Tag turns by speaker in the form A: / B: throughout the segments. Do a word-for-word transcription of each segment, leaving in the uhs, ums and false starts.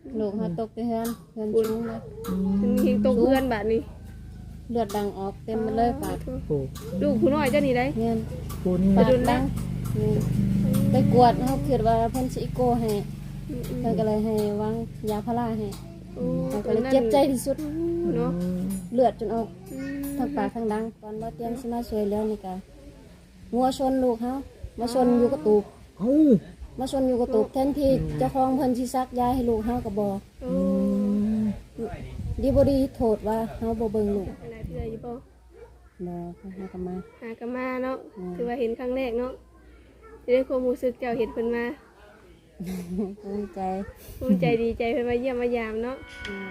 A: ลูกเฮาตกไปเฮือนเฮือนสูงเลย
B: มันมีตกเพื่อนบาดนี้
A: เลือดดังออกเต็มไปเลยปาก
C: โอ้
B: ลูกผู้น้อยเจ้านี่ได้
A: เงิน
C: ปูนี่
A: ปากดังนี่ไปกวดเฮาคิดว่าเพิ่นสิอีโกให้เพิ่นก็เลยให้วางยาพาราให้
B: โอ้
A: เฮาก็เลยเจ็บใจที่สุด
B: เนาะ
A: เลือดจนออกทั้งปากทั้งดังตอนบ่เตรียมสิมาช่วยแล้วนี่ก็งัวชนลูกเฮามาชนอยู่กระตูบ
C: เอ้า
A: มาชนอยู่กระตูบแทนที่เจ้าของเพิ่นสิซักยาให้ลูกเฮาก็บ่
B: โอ้
A: ดีบ่ดีโทษว่าเฮาบ่เบิ่งลูก
B: อะไรเพื่ออยู่บ่
A: บ่เฮาก็มา
B: หากนมาเนาะคือว่าเห็นครั้งแรกเนาะจะได้ความรู้สึกเจ้าเห็นเพิ่นมา
A: ภูมิใจ
B: ภูมิใจดีใจเพิ่นมาเยี่ยมมายามเนาะ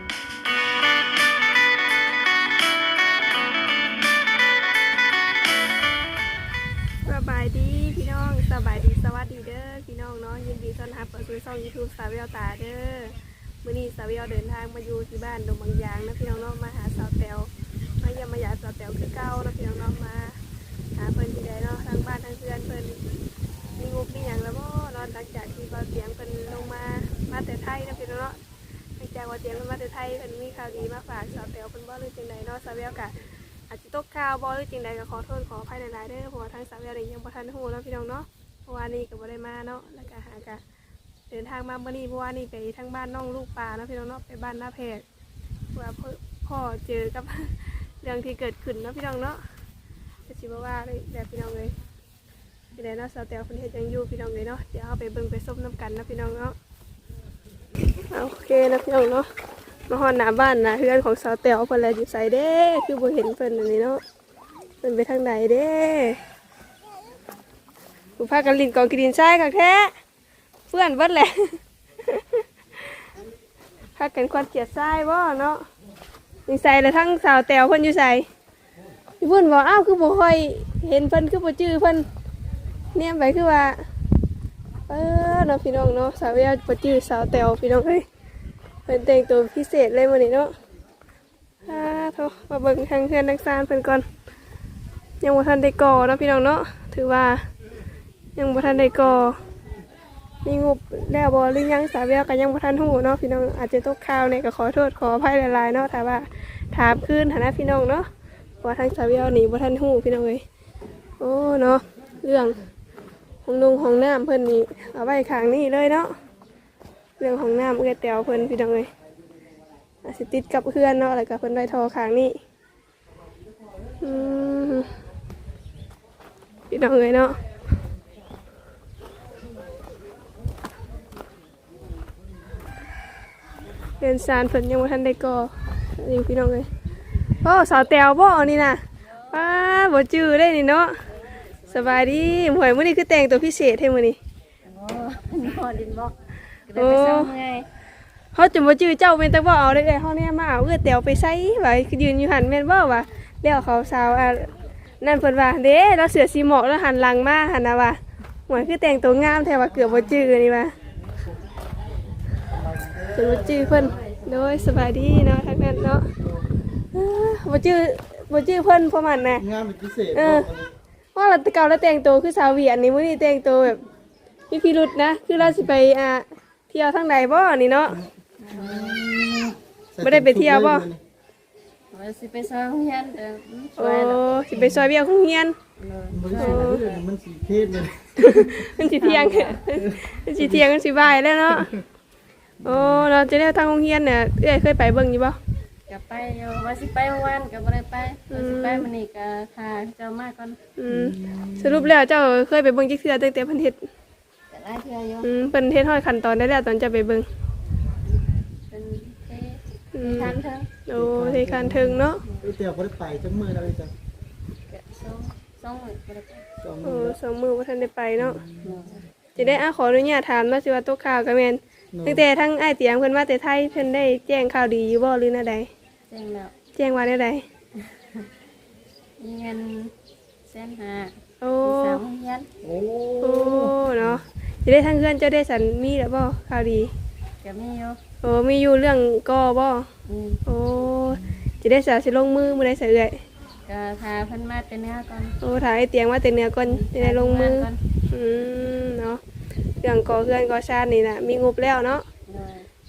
B: สบายดีพี่น้องสบายดีสวัสดีเด้อพี่น้องเนาะยินดีต้อนรับเข้าสู่ช่อง YouTube สาวแววตาเด้อมื้อนี้สาวแววเดินทางมาอยู่ที่บ้านดงบางยางนะพี่น้องเนาะมาหาสาวแตวมาเยี่ยมมายามสาวแตวคือเก่านะพี่น้องเนาะมาหาเพิ่นที่ใดเนาะทางบ้านทางเพื่อนเพิ่นมีงบมีหยังแล้วบ่นอนหลังจากที่เบาเสียงเพิ่นลงมามาแต่ไทยนะพี่น้องเนาะหลังจากว่าเสียงเพิ่นมาแต่ไทยเพิ่นมีข่าวดีมาฝากสาวแตวเพิ่นบ่หรือจังไดเนาะสาวแววก็อาจจะตกข่าวบ่หรือจังใดก็ขอโทษขออภัยหลายๆเด้อเพราะว่าทางสาวแววนี่ยังบ่ทันฮู้เนาะพี่น้องเนาะเพราะว่านี่ก็บ่ได้มาเนาะแล้วก็หากะเดินทางมาเมื่อนี้เพราะว่านี่ไปทางบ้านน้องลูกปลาเนาะพี่น้องเนาะไปบ้านหน้าแพรกว่าพ่อเจอกับ เรื่องที่เกิดขึ้นเนาะพี่น้องเนาะจะสิบ่ว่าเลยแบบพี่น้องเลยที่ไหนเนาะสาวแตวคนเฮ็ดยังอยู่พี่น้องเลยเนาะเดี๋ยวเอาไปเบิ่งไปส้มน้ำกันนะพี่น้องเนาะโอเคนะพี่น้องเนาะมาฮอดหน้าบ้านนะเฮือนของสาวแตวเพิ่นแลอยู่ไสเด้คือบ่เห็นเพิ่นอันนี้เนาะเพิ่นไปทางไหนเด้ผู้พากันลินกองกินทรายคักแท้เพื่อนเบิดแหละ พากันควันเกลียดทรายบ่เนาะนี่ใส่แล้วทั้งสาวแตวเพิ่นอยู่ใส่พี่เพิ่นบอกอ้าวคือบ่ค่อยเห็นเพิ่นคือบ่จื้อเพิ่นเนี่ยไปคือว่าเออเนาะพี่น้องเนาะสาวแววบ่จื้อสาวแตวพี่น้องเอ้ยเพิ่นแต่งตัวพิเศษเลยมื้อนี้เนาะอ่าโทมาเบิ่งทางเพื่อนทางซานเพิ่นก่อนยังบ่ทันได้ก่อเนาะพี่น้องเนาะถือว่ายังบ่ทันได้ก่อมีงบแล้วบ่หรือยังสาวแววก็ยังบ่ทันฮู้เนาะพี่น้องอาจจะตกข่าวเนี่ยก็ขอโทษขออภัยหลายๆเนาะถ้าว่าถามคืนฐานะพี่น้องเนาะว่าทางสาวแววนี่บ่ทันฮู้พี่น้องเอ้ยโอ้เนาะเรื่องห้องนงห้องน้ำเพิ่นนี่เอาไว้ข้างนี้เลยเนาะเรื่องห้องน้ำเอื้อแตวเพิ่นพี่น้องเอ้ยอาจสิติดกับเพื่อนเนาะแล้วก็เพิ่นไว้ทอข้างนี้อืมพี่น้องเอ้ยเนาะเรียนซานเพิ่นยังบ่ทันได้ก่อนี่พี่น้องเอ้ยโอ้สาวแตวบ่นี่น่ะป้าบ่จื้อได้นี่เนาะสบายดีหมวยมื้อนี้คือแต่งตัวพิเศษให้มื้อนี้
A: โอ้นอนดินบอกก็ได้ไปซ่อมไง
B: เฮาจนบ่จื้อเจ้าแม่นแต่บ่เอาได้เฮาเนี่ยมาเอาเอื้อแตวไปใส่ว่าคือยืนอยู่หั่นแม่นบ่ว่าแล้วเขาสาวอ่ะนั่นเพิ่นว่าเด้เราเสือสีหมอกแล้วหันหลังมาหั่นน่ะว่าหมวยคือแต่งตัวงามแท้ว่าเกือบบ่จื้อนี่ว่าจนบ่จื้อเพิ่นโดยสบายดีเนาะทางนั้นเนาะบ่จื้อบ่จื้อเพิ่นเพราะมันน่ะ
C: งานเป็นพิเศษ
B: เออว่าเราเก่าแล้วแต่งตัวคือสาวเวียนนี่มื้อนี้แต่งตัวแบบมีพิรุษนะคือเราสิไปอ่าเที่ยวทางใดบ่นี่เนาะบ่ได้ไปเที่ยวบ่
A: ว่าสิไปซ่อมเฮียนเด้อส
B: โอ้
A: วยเนาะ
B: สิไปซอยเวียของเฮียน
C: มันสีเลือดมันสีเทศเลย
B: มันสิเที่ยงมันสิเที่ยงมันสิบ่ายแล้วเนาะโอ้เราจะได้ทางโรงเรียนเนี่ยเอ้ยเคยไปเบิ่งอยู่บ่
A: ก็ไปอยู่ว่าสิไปเมื่อวานก็บ่ได้ไปว่าสิไปมื้อนี้ก็ทาเจ้ามาก่อน
B: อืมสรุปแล้วเจ้าเคยไปเบิ่งจักเทื่อตั้งแต่เพิ่นเฮ็ด
A: ก็หลายเทื่ออยู่
B: อืมเพิ่นเฮ็ดฮอดขั้นตอนได้แล้วตอนจะไปเบิ่ง
A: เป็นเท
B: อืม
A: ทันเถิง
B: โอ้เทคานถึงเนาะ
C: ไอ้เตียวเขาได้ไปจังมืออะไรจ้ะ
A: ก็สองสองมื้อบ่ได้ไป
C: สอง
B: โอ้
C: มือ
B: สองมื้อบ่ทันได้ไปเนาะ
A: เนาะ
B: จะได้อาขออนุญาตถามเนาะสิว่าตกข่าวก็แม่นตั้งแต่ทั้งอ้ายเตียงเพิ่นมาแต่ไทยเพิ่นได้แจ้งข่าวดีอยู่บ่หรือแนวใด
A: แจ้งแล้ว
B: แจ้งว่าแนวใด
A: มีเงินแสนห้า
B: โอ้
A: สามเฮียน
C: โอ้
B: โอ้เนาะจะได้ทั้งเพื่อนเจ้าได้สันมีแล้วบ่ข่าวดี
A: ก็มีอยู่
B: โอ้มีอยู่เรื่องก่อบ่
A: อืม
B: โอ้จะได้สาสิลงมือมื้อใดสิเอื้อย
A: ก็ทาเพิ่นมาแต่เนื้อก่อน
B: โอ้ถ่ายเตียงมาแต่เหนือก่อนจะได้ลงมือ
A: ก่อน
B: อืมเนาะเรื่องก่อเพื่อนก่อชาตินี่น่ะมีงบแล้วเนาะ
A: โดย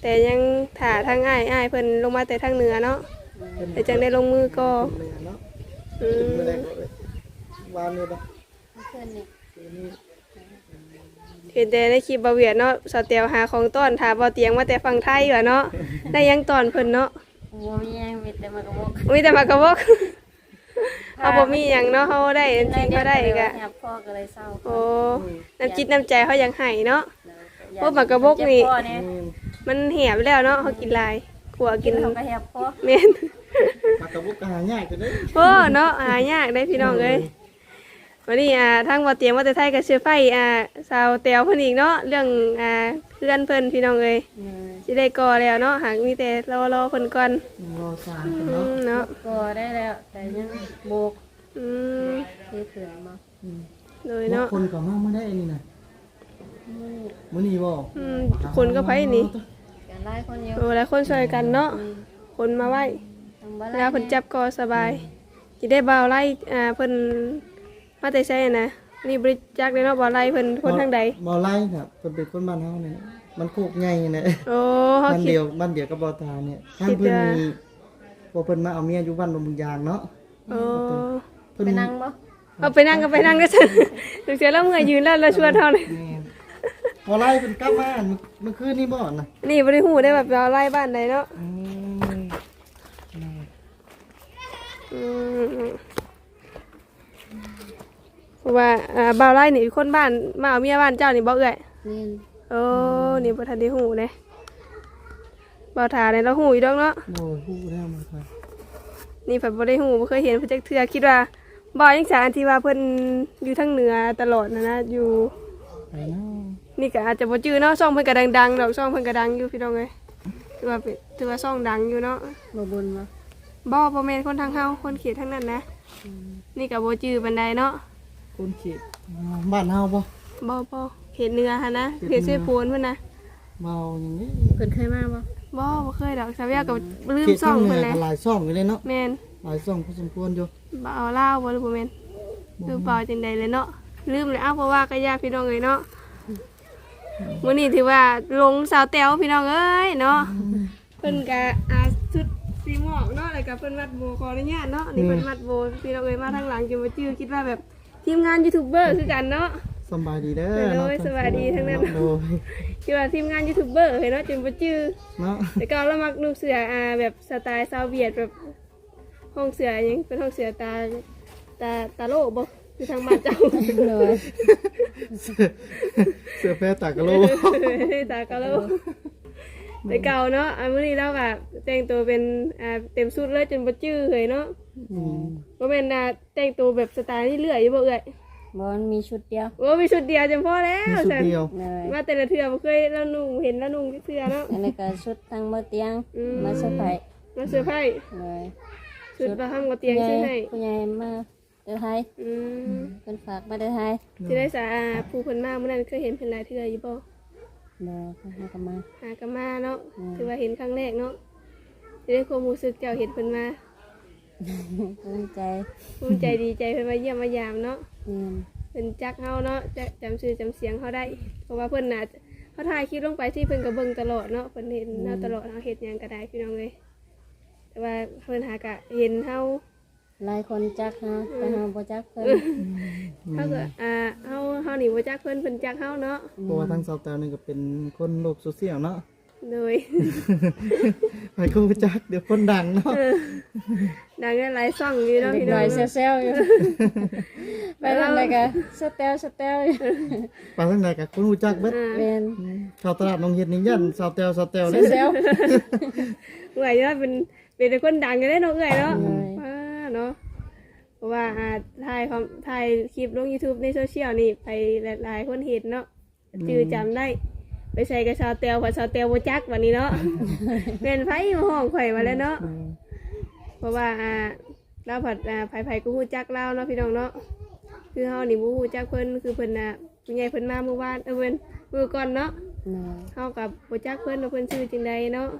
B: แต่ยังถ่าทางอ้ายอ้ายเพิ่นลงมาแต่ทางเหนือเนาะแต่จังได้ลงมือก็
C: เนื้อเนาะ
B: อื
C: เป็น
B: ม
C: เมื่อไรก็เลยวานเลยปะ
A: เพื่อนนี่
C: คืนนี้
B: เห็นแต่ในคลิปบ่เวียดเนาะสาวเตียวหาของต้อนถาบ่เตียงมาแต่ฝั่งไทยว่าเนาะได้ยังตอนเพิ่นเนาะ
A: บ่มีหยังมีแต่มากระบอก
B: มีแต่มากระบอกเอาบ่มีหยังเนาะเฮาได้อันจริงก็ได้ก็
A: แฮบพ่อก็เลยเศร้า
B: โอ้น้ำจิตน้ำใจเขายังให้เนาะ พวกหมากกระบอกนี่
A: เจ็พ่อเนี่ย
C: อืม
B: มันเหี่ยไปแล้วเนาะเขากินหลายขัว
A: กิ
B: กิ
A: น
B: น
A: เขาก็แฮบพ่อ
B: แม่น
C: ปากกระบุกกระหายากจะได้
B: โอ้เนาะหายากได้พี่น้องเอ้ยวันนี้อ่าทางบ่เตรียมว่าแต่ไทยกับเชื้อไฟอ่าสาวแตวเพิ่นอีกเนาะเรื่องอ่าเพื่อนเพิ่นพี่น้องเอ้ยสิได้ก่อแล้วเนาะหากมีแต่รอรอเพิ่นก่อน
C: รอสาร
B: อื
C: เนาะ
B: มเนาะ
A: ก็ได้แล้ว แต่ยังโบก
B: อืม
A: คือเขื่อนมา
C: อืม
B: โดย
C: บาง
B: เนาะ
C: คนก็มาไม่ได้นี่นะมื้อนี้บ่
B: อืมคนก็ไผนี่
A: กันไล่คนเดียว
B: โอ้หลายคนช่วยกันเนาะคนมาไว้
A: ทำบ้าน
B: แล้วเพิ่นจับก็สบายสิได้บ่าวไล่อ่าเพิ่นมาแต่ไสนะนี่บริจาคได้เนาะบ่าวไล่เพิ่นคนทางใด
C: บ่ไล่ครับเพิ่นเป็นคนบ้านเฮาเนี่ยมันโคกใหญ่เนี่ย
B: โอ้เฮา
C: บ้าน
B: คิด
C: เดียวบ้านเดียวกับบ่ตาเนี่ยทาง
B: คิด
C: เพิ่น
B: ว่า
C: มีพอเพิ่นมาเอาเมียอยู่บ้านบางยางเนาะ
B: โอ้
C: เพิ่น
A: ไปนั่งบ่
B: เอาไปนั่งก็ไปนั่งก็ซั่นถึงเสียแล้วเมื่อยยืนแล้วเราชวนเฮาเลย
C: แม่นพอไล่เพิ่นกลับมาอันเมื่อคืนนี้บ่น่ะ
B: นี่บ่ได้ฮู้ได้แบบเราไล่บ้านใดเนาะ
C: อืม
B: อืมเพราะว่าอ่าบ่าวไล่นี่คนบ้านมาเอาเมียบ้านเจ้านี่บ่เอื้อย
A: นี่
B: โอ้นี่บ่ทันได้ฮู้เด้บ่าวถาเนี่ยเราฮู้อยู่ดอกเนาะ
C: โอ้ยฮู้แล้วมาครับ
B: นี่เพิ่นบ่ได้ฮู้บ่เคยเห็นเพิ่นจักเทื่อคิดว่าบ่ยังสารที่ว่าเพิ่นอยู่ทางเหนือตลอดนะนะอยู่
C: ไปเนาะ
B: นี่ก็อาจจะบ่จื้อเนาะช่องเพิ่นก็ดังๆดอกช่องเพิ่นก็ดังอยู่พี่น้องเอ้ยถือว่าเป็นถือว่าช่องดังอยู่เนาะ
A: บ่บุญบ่
B: บ่บ่แม่นคนทางเฮาคนเขตทางนั้นนะนี่ก็บ่จื้อปานใดเนาะ
C: คนเขตบ้านเฮาบ่
B: บ่บ่เขตเหนือหั่นนะเขตเสพวนเพิ่นนะ
C: เมาอย่างนี้
A: เพิ่นเคยมาบ่
B: บ่บ่เคยดอกสาวยาก็ลืม
C: เขต
B: ช่อ
C: ทาง งเห
B: เพิ่
C: นื
B: น
C: อ
B: แหละ
C: ก็หลายซ่องอยู่เลยเนาะ
B: แม่น
C: หลายซ่องพอสมควรอยู่
B: บ่เอาลาวบ่หรือบ่แม่นหรือเปล่าจังใดเลยเนาะลืมเลยอ้าวเพราะว่าก็ญาติพี่น้องเอ้ยเนาะมื้อนี้ถือว่าลงสาวแต๋วพี่น้องเอ้ยเนาะเพิ่นก็อาชุดสีหมอกเนาะแล้วก็เพิ่นวัดโบขออนุญาตเนาะนี่เพิ่นวัดโบพี่น้องเอ้ยมาทางหลังจนบ่จื้อคิดว่าแบบทีมงานยูทูบเบอร์คือกันเนาะ
C: สบายดีเด้อ
B: โดย
C: เนาะ
B: สบายดีทั้งนั้น
C: โดย
B: คิดว่าทีมงานยูทูบเบอร์เห็นเนาะจนบ่จื้อ
C: เนาะ
B: แต่ก็เรามักนุ่งเสื้ออ่าแบบสไตล์ชาวเวียดแบบห้องเสื้อหยังเป็นห้องเสื้อตาตาตาโลบ่คือทางบ้านเจ้า
A: เลย
C: เสื้อเสื้อแพรตากะโล
B: ตากะโลแต่เก่าเนาะอันมื้อนี้เราแบบแต่งตัวเป็นอ่าเต็มชุดเลยจนบ่จื้อเลยเนาะ
C: อืม
B: บ่แม่นอ่าแต่งตัวแบบสไตล์นี่เลื่อยอยู่บ่เอ่ย
A: บ่มันมีชุดเดียว
B: โอ้มีชุดเดียวจำพอแล้ว
C: มีชุดเดียว
A: เลย
B: ว่าแต่ละเทื่อบ่เคยแล้วนุ่งเห็นแล้วนุ่งเทื่อเนาะ
A: อันนี้ก็ชุดทางบ่เตียง
B: อืม
A: มาเซอร์ไพรส์
B: มาเสื้อร์ไผ่
A: เลย
B: ชุดประห้ามกับเตียงใช่ไหม
A: ผู้ใหญ่มาเด้อไทย
B: อืม
A: เพิ่นฝากมาเด้อไทย
B: ที่ได้สาอาผู้เพิ่นมาเมื่อนั้นเคยเห็นเพิ่นหลายเทื่ออยู่บ่
A: บ่เพิ่นหากันมา
B: หากนมาเนาะ
A: อืม
B: ถือว่าเห็นครั้งแรกเนาะจะได้ความรู้สึกเจ้าเห็นเพิ่นมา
A: ภูมิใจ
B: ภูมิใจดีใจเพิ่นมาเยี่ยมมายามเนาะ
A: นี่
B: เพิ่นจักเฮาเนาะจะจำชื่อจำเสียงเฮาได้ เพราะว่าเพิ่นน่ะเขาถ่ายคลิปลงไปที่เพิ่นก็เบิ่งตลอดเนาะเพิ่นเห็นเฮาตลอดเฮาเฮ็ดหยังก็ได้พี่น้องเอ้ยแต่ว่าเพิ่นหากะเห็นเฮา
A: หลายคนจักฮะแต่เฮาบ่จักเพิ่น
B: เฮาก็อ่าเฮาเฮานี่บ่จักเพิ่นเพิ่นจักเฮาเนาะ
C: เพราะว่าทั้งสาวแตวนี่ก็เป็นคนโลกโซเชียลเนาะ
B: โดย
C: ไปก็รู้จักเดี๋ยวคนดังเนาะ
B: ดังได้หลายซ่องอยู่เนาะ
A: เด็ก
B: พี่
A: ห
B: น้
A: น่
B: อ
A: อง ยแซวๆอยู่ไปทางใดก็สแตลสแตลอยู่
C: ไปทางไหนกับคนรู้จักเบิด
B: อ่า
A: เป็น
C: ชาวตลาดน้องเฮ็ดนี่ยันสาวแตวสาวแตว
A: แซ
C: เด้
A: ว
B: เอื่อยเนาะเป็นเป็นคนดังกันได้เนาะเอื่อยเนาะ
A: ใช่
B: ว้าเนาะเพราะว่าอ่าถ่ายคอมถ่ายคลิปลง YouTube ในโซเชียลนี่ไปหลายๆคนเห็นเนาะจือจำได้ ไปใส่กับชาวเตียวผัดชาวเตียวโบจักวันนี้เนาะ เป็นไผมาห้องข่อยมาแล้วเนาะเพราะว่าอ่าเราผัดอ่าไผไผก็ฮู้จักเราเนาะพี่น้องเนาะคือเฮานี่บ่ฮู้จักเพิ่นคือเพิ่นน่ะผู้ใหญ่เพิ่นมาเมื่อวานเออเพิ่นมื้อก่อนเนาะ
A: ๆเนาะ
B: เฮากับบ่จักเพิ่นว่าเพิ่นชื่อจังใดเนาะ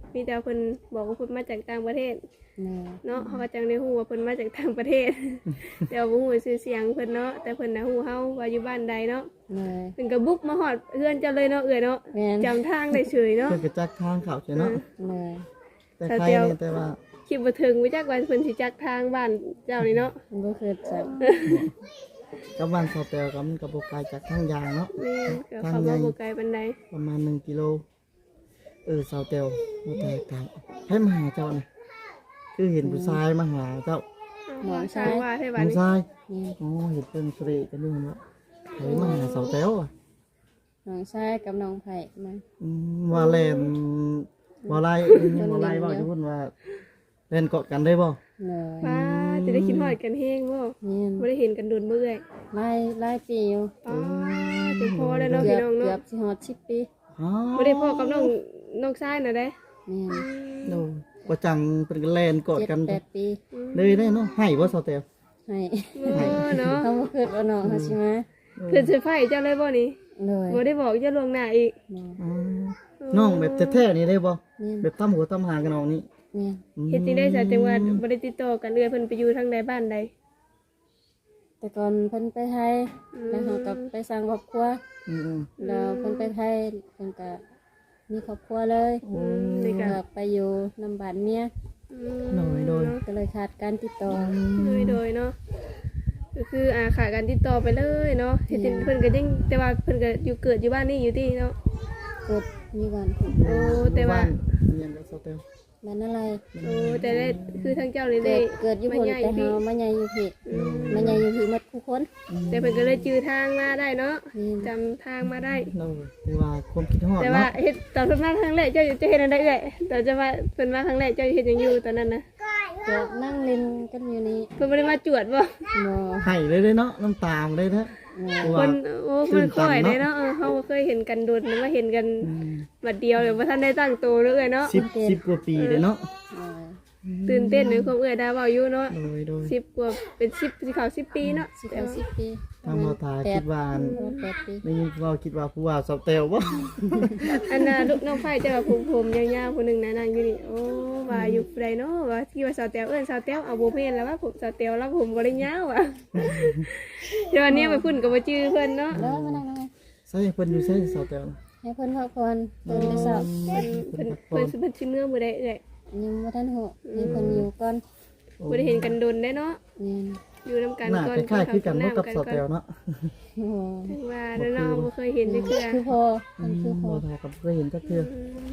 B: มีแต่เพิ่นบอกว่าเพิ่นมาจากต่างประเทศ
A: แม่
B: เนาะเขาก็จังได้ฮู้ว่าเพิ่นมาจากต่างประเทศ แต่ว่าบ่ฮู้ชื่อเสียงเพิ่นเนาะแต่เพิ่นน่ะฮู้เฮาว่าอยู่บ้านใดเนาะ
A: แม่
B: เพิ่นก็บุกมาฮอดเฮือนเจ้าเลยเนาะเอ้ยเนาะ
A: แม่น
B: จำทางได้เฉยเนาะ
C: เพิ่นก็จักทางเข้าใช่เนาะ
A: แม่
C: แต่ใครนี่แต่ว่า
B: คิดบ่ถึงว่าจักว่าเพิ่นสิจักทางบ้านเจ้านี่เนาะ
A: บ่เคยจัก
C: กับบ้านเสาแตวก็มันก็บ่ไกลจากทางยางเนาะ
B: แม่นก็เข้ามาบ่ไกลปานใด
C: ประมาณหนึ่งกิโลเออเสาแตวบ่แตกต่างให้มาหาเจ้าน่ะคือเห็นผู้ชายมาหาเจ้า
A: หมอน
B: ทา
A: ซ้าง ย
B: ว่าให้
C: ผู้
B: บ้านนี้
C: ชาย
A: นี่
C: อ๋อเห็นเป็นสรีกันด้วยเนาะให้มาหาเสาแตวอ่ะ
A: น้องชายกับน้องไผ่มา
C: อืมว่าแลนบ่ไล่บ่ไล่ว่าจะพูดว่าเล่นเกาะกันได้บ่
A: เลย
B: ป้าจะได้คิดฮอดกันแฮงบ่
A: นี่
B: บ่ได้เห็นกันโดนเมื่อย
A: ไล่ไล่ปีอยู่
B: ป้าจะพอแล้วเนาะ
A: เกื
B: พี่
A: อบ
B: น้อง
A: เกือ
B: เนาะ
A: บสิฮอดสิบปี
C: อ๋อ
B: บ่ได้พ่อกับน้องน้องชายน่ะเด้
A: นี่
C: โดว่าจังเป็นแลนเกาะ
A: เจ็ด
C: กัน
A: แปดปี
C: เลยได้เนาะให้บ่เสาแตว
A: ให้
B: โอ้เนาะ
A: เขาบ่คิดว่าน้องเขาสิมา
B: เพิ่นสิไฟเจ้าเลยบ่นี่
A: เลย
B: บ่ได้บอกเจ้าล่วงหน้าอีก
A: บ่
C: อ๋อน้องแบบแท้ๆนี่ได้บ่
A: นี่
C: แบบตำหัวตำหางกันน้องนี่
A: นี่
C: อืม
B: เฮ็ดจังได๋ซะจังว่าบ่ได้ติดต่อกันเอื้อยเพิ่นไปอยู่ทางใดบ้านใด
A: แต่ก่อนเพิ่นไปไทยแล้วเขาก็ไปสร้างครอบครัว
C: อืม
A: แล้วเพิ่นไปไทยเพิ่นก็มีครอบครัวเลย
B: อืมนี่ก็
A: ก็ไปอยู่นำบ้านเมีย
B: อืม
C: โดยโดย
A: ก็เลยขาดการติดต่อ
B: โดยโดยเนาะก็คืออ่าขาดการติดต่อไปเลยเนาะเฮ็ดจังเพิ่นก็ยังแต่ว่าเพิ่นก็อยู่เกิดอยู่บ้านนี่อยู่ที่เนาะ
A: เกิดมีวัน
B: โอ้แต่ว่า
C: เรียนกับเสาแตว
A: บ้านอะไร
B: โอ้แต่ได้คือทางเจ้านี่
A: เกิ
B: ได้
A: ดเกิดอยู่พุ่น
B: มาใหญ่
A: แต่
B: พี่
A: เฮามาใหญ่อยู่พี่
B: อืม
A: มาใหญ่อยู่พี่หมดทุกคน
B: แต่เพิ่นก็เลยจื้อทางมาได้เนาะ
A: นี่
B: จำทางมาได้
C: เราคือว่าความคิดฮอด
B: แต่ว่า
C: เนาะ
B: เฮ็ดตอนเพิ่นมาครั้งแรกเจ้าจะเฮ็ดอันใดเอ่ยแต่จะว่าเพิ่นมาครั้งแรกเจ้าเฮ็ดหยังอยู่ตอนนั้นนะ
A: ก็นั่งเล่นกันอยู่นี่
B: เพิ่นบ่ได้มาจวดบ่
A: บ่
C: ให้เลยเลยเนาะน้ำตาลเลยนะ
A: บ่
C: เพราะว่า
B: เพิ่นโอ้เพิ่นค่อย
C: ตื่
B: ได้
C: นตันเนาะ
B: เนาะเออเฮาบ่เคยเห็นกันโดนมาเห็นกัน
C: อืม
B: บัดเดียวเลยบ่ทันได้ตั้งตัวเลยเนาะ
C: สิบสิบกว่าปีเลยเนาะ
A: เออ
B: ตื่นเต้นในความเอื้อยดาเว้าอยู่เนาะ
C: โดยโดย
B: สิบกว่าเป็นสิบสิเข้าสิบปีเนาะ
A: สิบเอาสิบปี
C: ทางเราตาคิดว่า
A: แปดปี
C: ไม่เราคิดว่าผู้ว่าเสาแตวบ่
B: อันน่ะลูกน้องไผเจ้าก็ผมผมยาวๆผู้หนึงนะนั่งอยู่นี่โอ้ว่าอยู่ไดเนาะว่าที่ว่าสาวแตวเอิ้นสาวแตวเอาบ่แม่นแล้วว่าผมสาวแตวแล้วผมบ่ได้ยาวอ่ะ เดี๋ยวอันนี้ไปพุ่นก็บ่ชื่อเพิ่นเนาะ
A: แล้วมานั่งนั่ง
C: ใช่เพิ่นอยู่ใช่เสาแตว
A: ให้เพิ่นพักผ่อนตื่นแต่เช้า
B: เพิ่นเพิ่นเพิ่นสิเมื่อมื้อใดเอ่ย
A: ยังบ่ทันฮู้ให้เพิ่นอยู่ก่อน
B: บ่ได้เห็นกันดนได้เนาะ
A: นี่
B: อยู่นํกัน
C: หน้า
B: ก่อน
C: คล้ายๆคือกันเนาะกับเสาแตวเนาะ
A: โอ้โห
B: ถึงว่าแล้วเนาะบ่เคยเห็นจักเทื่อ
A: คือพอมันคือพอ
C: บ่ทากับเคยเห็นจักเทื่อ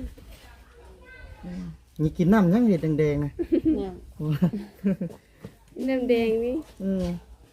C: นี่กินน้ำยังเห็ดแดงๆนะ
A: เนี่ย
B: น้ำแดงนี่
C: เออ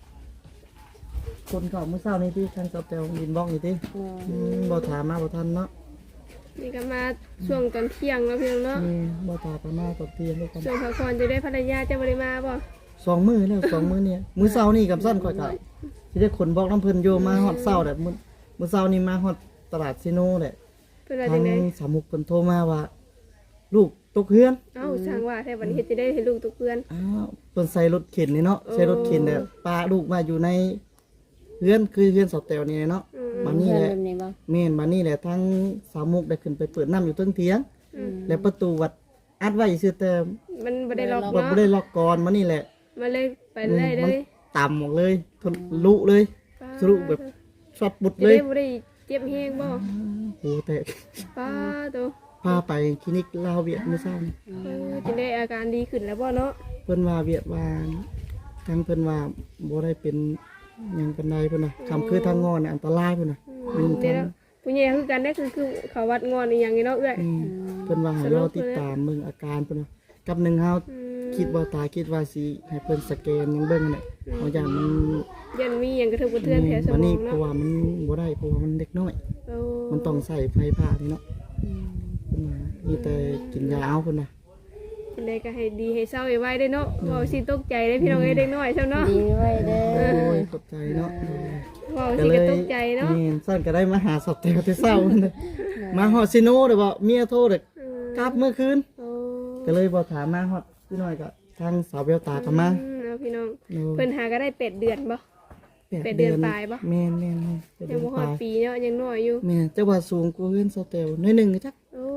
C: คนเก่าเมื่อเช้านี้ที่ทางเสาแตวดินบ้องอยู่ที่
A: เออ
C: อืมบ่ถามมาบ่ทันเนาะ
B: นี่ก็มาช่วงตอนเที่ยงแล้วเพียงเนาะ
C: อืมบ่ถามไปมาตบเทียนด้วยกัน
B: ช่วงพักผ่อนจะได้ภรรยาจะบ่ได้มาบ่
C: สองมื้อแล้วสองมื้อเนี่ยมื้อเช้านี่กับสั้นข่อยก็สิได้ขนบอกน้ำเพิ่นโยมาฮอดเช้าแหละมื้อมื้อเช้านี่มาฮอดตลาดซิโนแหละ
B: เพิ่นว่า
C: ทา
B: จั
C: ง
B: งได๋
C: สามุกเพิ่นโทรมาว่า ลูกตกเฮือน
B: เอ้าช่างว่าแท้บัดนี้เฮ็ดจะได้ให้ลูกทุกเพื่อน
C: อ้าวเพิ่นใส่รถเข็นนี่เนาะ
B: โอ้
C: ใส่รถเข็นแต่ปาลูกมาอยู่ในเฮือนคือเฮือนสอบแตวนี่เนาะ
B: อืม
C: บัดนี้แหละ
A: แบบนี้บ่
C: แม่นบัดนี้แหละทางสามุกได้ขึ้นไปเปิดน้ำอยู่เทิงเถียง
B: อืม
C: แล้วประตูวัดอัดไว้ซื่อแต่
B: มันบ่ได้ล็อก
C: บ่
B: เนาะ
C: บ่ได้ล็อกก่อนมานี่แหละ
B: มันเลยไปเลยเลย
C: ต่ำออกเลยทะลุเลย สรุปแบบ ช็อตบุด
B: จะ
C: เลย
B: ได้บ่ได้เจ็บแฮงบ่
C: โอ้แต่
B: ป้าโต
C: พาไปคลินิกลาวเวียดมื้อเช้านี่
B: เออจะได้อาการดีขึ้นแล้วบ่เนาะ
C: เพิ่นว่าเวียดว่าทางเพิ่นว่าบ่ได้เป็นหยังปานใดเพิ่นน่ะคำคือทางงอนน่ะอันตรายเพิ่นน่ะ
B: อืมเดี๋ยวนะผู้ใหญ่คือกันได้คือคือเขาวัดงอนอีหยังนี่เนาะเอ้อย
C: อืมเพิ่นว่าให้รอติดตามเบิ่งอาการเพิ่นน่ะกับหนึ่งเฮา
B: อืม
C: คิดบ่ตายคิดว่าสิให้เพิ่นสแกนหยังเบิ่งนั่นแหละเอาอย่างมัน
B: ยันมีหยังกระทบกระเทือนแถวส
C: วัน
B: มอ
C: นี้
B: ง
C: เพ
B: เนาะ
C: ราะว่ามันบ่ได้เพราะว่ามันเด็กน้อย
B: โอ้
C: มันต้องใส่ไฟผ่านี่เนาะ
A: อืม
C: เพิ่นว่ามีแต่กินยาเอาเพิ่นน่ะ
B: จังไดก็ให้ดีให้เศร้าไว้ได้เนาะเว้าสิตกใจได้พี่น้องเอ้ยเด็กน้อยเจ้าเนาะ
A: ดีไว้เด้อ
C: โอ้ยขอบใจเนาะ
B: เว้าสิก็ตกใจเนาะ
C: นี่สั้นก็ได้มาหาสอบแต่แต่เช้านั่นน่ะมาฮอดซิโนเด้อบ่เมียโทรเด้อ
B: อืม
C: กลับเมื่อคืน
B: โอ้
C: ก็เลยบ่ถามมาฮอดพี่น้อยก็ทางสาวเบลตาก็มา
B: อืมเอาพี่น้อง
C: โอ้
B: เพิ่นหาก็ได้เป็ดเดือนบ่ แปดเดือนปลายปะ
C: แม่นแม่นแม่นแปด
B: ยั
C: เดื
B: ง
C: อน
B: บ่ฮ
C: ป
B: อ
C: ลา
B: ด
C: ย
B: ปีเนาะยังน้อยอยู่
C: แม่นจักว่าสูงกว่าเฮือนสาวเตลน้อยหนึงจัก
B: โอ้